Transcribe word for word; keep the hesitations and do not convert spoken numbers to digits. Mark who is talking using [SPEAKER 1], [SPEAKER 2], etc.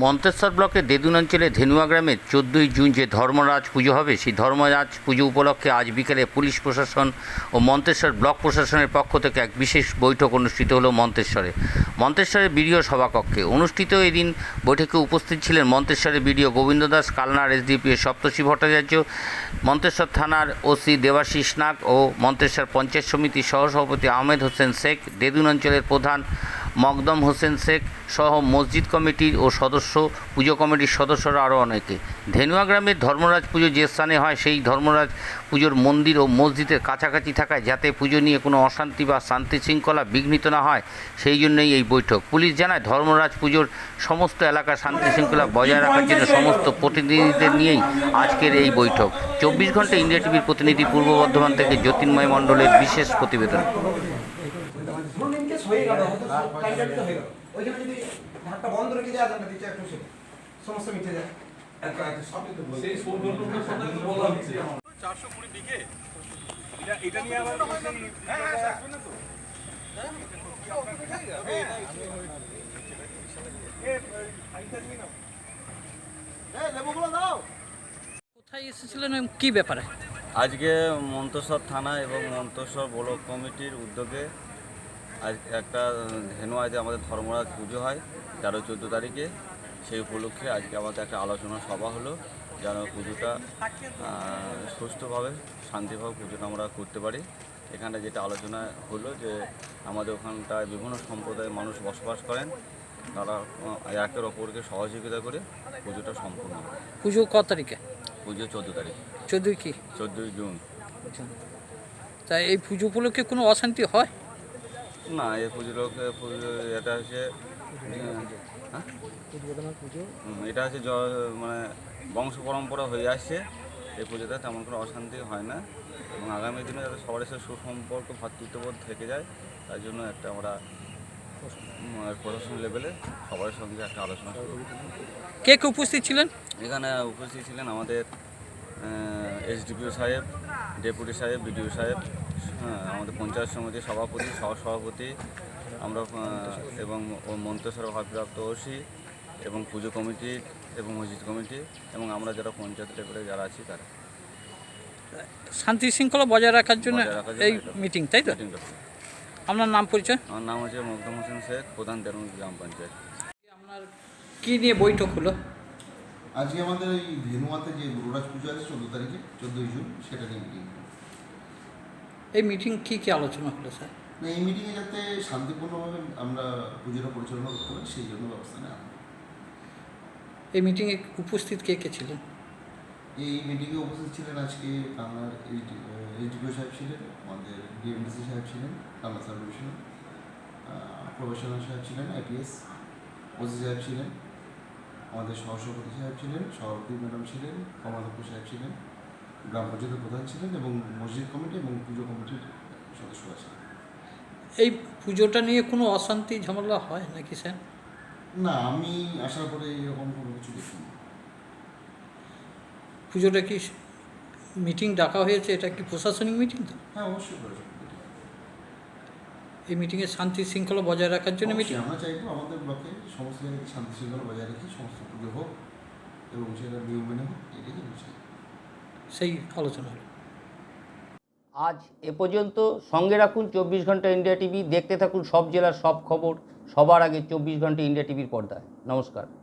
[SPEAKER 1] মন্তেশ্বর ব্লকের দেদুন অঞ্চলে ধেনুয়া গ্রামে চোদ্দোই জুন যে ধর্মরাজ পুজো হবে সেই ধর্মরাজ পুজো উপলক্ষে আজ বিকেলে পুলিশ প্রশাসন ও মন্তেশ্বর ব্লক প্রশাসনের পক্ষ থেকে এক বিশেষ বৈঠক অনুষ্ঠিত হলো মন্তেশ্বরে মন্তেশ্বরের বিডিও সভাকক্ষে। অনুষ্ঠিত এদিন বৈঠকে উপস্থিত ছিলেন মন্তেশ্বরের বিডিও গোবিন্দ দাস, কালনার এসডিপিও সপ্তর্ষি ভট্টাচার্য, মন্তেশ্বর থানার ওসি দেবাশিস নাগ ও মন্তেশ্বর পঞ্চায়েত সমিতির সহসভাপতি আহমেদ হোসেন শেখ, দেদুন অঞ্চলের প্রধান মকদম হোসেন শেখ সহ মসজিদ কমিটির ও সদস্য পুজো কমিটির সদস্যরা আরও অনেকে। ধেনুয়া গ্রামের ধর্মরাজ পুজো যে স্থানে হয় সেই ধর্মরাজ পুজোর মন্দির ও মসজিদের কাছাকাছি থাকায় যাতে পুজো নিয়ে কোনো অশান্তি বা শান্তি শৃঙ্খলা বিঘ্নিত না হয় সেই জন্যই এই বৈঠক। পুলিশ জানায় ধর্মরাজ পুজোর সমস্ত এলাকার শান্তি শৃঙ্খলা বজায় রাখার জন্য সমস্ত প্রতিনিধিদের নিয়েই আজকের এই বৈঠক। চব্বিশ ঘন্টা ইন্ডিয়া টিভির প্রতিনিধি পূর্ব বর্ধমান থেকে জ্যোতির্ময় মণ্ডলের বিশেষ প্রতিবেদন।
[SPEAKER 2] হয়ে গেল টাইমটা দিতে হয়ে গেল ওইখানে যদি ঢাকটা বন্ধ রেখে দেওয়া যায় না দিতে একটু সমস্যা মিটে যায় এত এত সবই তো বলছি সেই সুন্দরবনের কথা বলা হচ্ছে চারশো কুড়ি দিকে এটা এটা নিয়ে আবার হ্যাঁ হ্যাঁ শুনুন তো হ্যাঁ এই আইটা নিয়ে নাও এই লেবুগুলো দাও।
[SPEAKER 3] কোথায় এসেছিলেন, কি ব্যাপারে?
[SPEAKER 4] আজকে মন্তেশ্বর থানা এবং মন্তেশ্বর ব্লক কমিটির উদ্যোগে আজ একটা ধেনুয়াতে আমাদের ধর্মরাজ পুজো হয় তেরো চোদ্দো তারিখে। সেই উপলক্ষে আজকে আমাদের একটা আলোচনা সভা হলো যেন পুজোটা সুষ্ঠুভাবে শান্তিভাবে পুজোটা আমরা করতে পারি। এখানে যেটা আলোচনা হলো যে আমাদের ওখানটায় বিভিন্ন সম্প্রদায়ের মানুষ বসবাস করেন, তারা একের অপরকে সহযোগিতা করে পুজোটা সম্পূর্ণ হয়।
[SPEAKER 3] পুজো কত তারিখে?
[SPEAKER 4] পুজো চোদ্দো তারিখ।
[SPEAKER 3] চোদ্দোই কি?
[SPEAKER 4] চোদ্দোই জুন।
[SPEAKER 3] তাই এই পুজো উপলক্ষে কোনো অশান্তি হয়
[SPEAKER 4] না? এই পুজোর পুজো এটা হচ্ছে এটা হচ্ছে মানে বংশ পরম্পরা হয়ে আসছে। এই পুজোতে তেমন কোনো অশান্তি হয় না এবং আগামী দিনে যাতে সবার সাথে সুসম্পর্ক ভ্রাতৃত্ববোধ থেকে যায় তার জন্য একটা আমরা প্রশাসন লেভেলে সবার সঙ্গে একটা আলোচনা শুরু।
[SPEAKER 3] কে কে উপস্থিত ছিলেন?
[SPEAKER 4] এখানে উপস্থিত ছিলেন আমাদের এসডিপিও সাহেব, ডেপুটি সাহেব, বিডিও সাহেব, হ্যাঁ আমাদের পঞ্চায়েত সমিতির সভাপতি, সহসভাপতি আমরা এবং মন্তেশ্বর ভারপ্রাপ্ত ওসি এবং পুজো কমিটি এবং মসজিদ কমিটি এবং আমরা যারা পঞ্চায়েত লেভেলে যারা আছি তারা
[SPEAKER 3] শান্তি শৃঙ্খলা বজায় রাখার জন্য এই মিটিং, তাই তো? আপনার নাম পরিচয়?
[SPEAKER 4] আমার নাম হচ্ছে মকদম হোসেন শেখ, প্রধান দেরুন গ্রাম পঞ্চায়েত।
[SPEAKER 3] আপনার কী নিয়ে বৈঠক হলো?
[SPEAKER 5] আজকে আমাদের এই ধেনুয়াতে যে গুরুরাজ পুজো আছে চোদ্দো তারিখে চোদ্দোই জুন সেটা নিয়ে মিটিং।
[SPEAKER 3] এই মিটিং কী কী আলোচনা হলো স্যার?
[SPEAKER 5] না, এই মিটিংয়ে যাতে শান্তিপূর্ণভাবে আমরা পুজোটা পরিচালনা করতে পারি সেই জন্য ব্যবস্থা নেওয়া।
[SPEAKER 3] এই মিটিংয়ে উপস্থিত কে কে ছিলেন?
[SPEAKER 5] এই মিটিংয়ে উপস্থিত ছিলেন আজকে কালনার এইচডিপিও সাহেব ছিলেন, আমাদের ডিএমডিসি সাহেব ছিলেন, কালনা সাব ডিভিশনাল প্রফেশনাল সাহেব ছিলেন, আইপিএস ওসি সাহেব ছিলেন, আমাদের সহসভাপতি সাহেব ছিলেন, সভাপতি ম্যাডাম ছিলেন, কমাধ্যক্ষ সাহেব ছিলেন, গ্রাম পঞ্চায়েতের প্রধান ছিলেন এবং মসজিদ কমিটি এবং পুজো কমিটির সদস্যরা ছিলেন।
[SPEAKER 3] এই পুজোটা নিয়ে কোনো অশান্তি ঝামেলা হয় নাকি স্যার?
[SPEAKER 5] না, আমি আসার পরে এরকম কোনো কিছু দেখিনি।
[SPEAKER 3] পুজোটা কি মিটিং ডাকা হয়েছে, এটা কি প্রশাসনিক মিটিং? তো
[SPEAKER 5] হ্যাঁ, অবশ্যই প্রশাসনিক মিটিং।
[SPEAKER 3] এই মিটিংয়ে শান্তি শৃঙ্খলা বজায় রাখার জন্য মিটিং।
[SPEAKER 5] আমরা চাইবো আমাদের ব্লকে সমস্ত জায়গায় শান্তি শৃঙ্খলা বজায় রেখে সমস্ত পুজো হোক এবং সেটা নিয়ম মেনে হোক, এটাই আমি চাই।
[SPEAKER 3] সেই আলোচনা হলো।
[SPEAKER 1] আজ এ পর্যন্ত। সঙ্গে রাখুন চব্বিশ ঘন্টা ইন্ডিয়া টিভি। দেখতে থাকুন সব জেলার সব খবর সবার আগে চব্বিশ ঘন্টা ইন্ডিয়া টিভির পর্দায়। নমস্কার।